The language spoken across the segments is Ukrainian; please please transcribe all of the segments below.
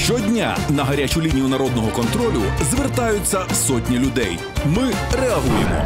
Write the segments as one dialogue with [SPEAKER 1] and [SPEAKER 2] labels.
[SPEAKER 1] Щодня на гарячу лінію народного контролю звертаються сотні людей. Ми реагуємо.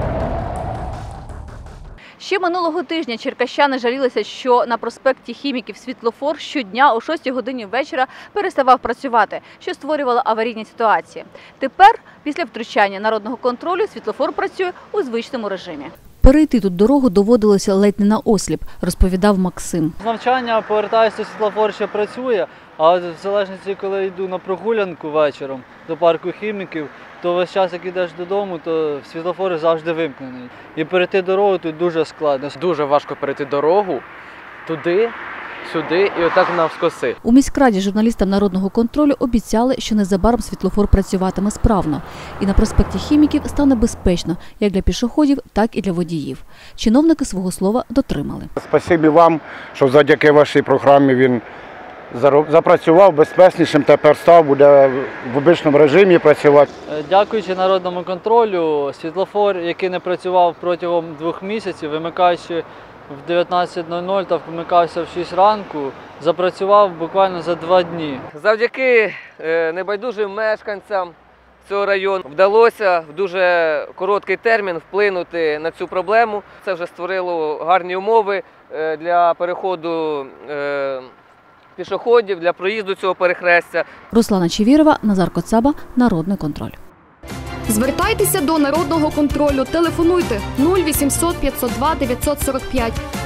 [SPEAKER 2] Ще минулого тижня черкащани жалілися, що на проспекті Хіміків світлофор щодня о 6 годині вечора переставав працювати, що створювало аварійні ситуації. Тепер, після втручання народного контролю, світлофор працює у звичному режимі. Перейти тут дорогу доводилося ледь не наосліп, розповідав Максим.
[SPEAKER 3] З навчання повертаюся, світлофор ще працює, а в залежності, коли йду на прогулянку вечором до парку Хіміків, то весь час, як йдеш додому, то світлофор завжди вимкнений. І перейти дорогу тут дуже складно.
[SPEAKER 4] Дуже важко перейти дорогу туди, сюди і отак навскоси.
[SPEAKER 2] У міськраді журналістам народного контролю обіцяли, що незабаром світлофор працюватиме справно. І на проспекті Хіміків стане безпечно як для пішоходів, так і для водіїв. Чиновники свого слова дотримали.
[SPEAKER 5] Спасибі вам, що завдяки вашій програмі він запрацював безпечнішим, тепер буде в обичному режимі працювати.
[SPEAKER 3] Дякуючи народному контролю, світлофор, який не працював протягом 2 місяців, вимикаючи в 19:00 та вмикався в 6 ранку, запрацював буквально за 2 дні.
[SPEAKER 4] Завдяки небайдужим мешканцям цього району вдалося в дуже короткий термін вплинути на цю проблему. Це вже створило гарні умови для переходу пішоходів, для проїзду цього перехрестя.
[SPEAKER 2] Руслана Чевірова, Назар Коцаба, Народний контроль.
[SPEAKER 6] Звертайтеся до Народного контролю, телефонуйте 0800 502 945.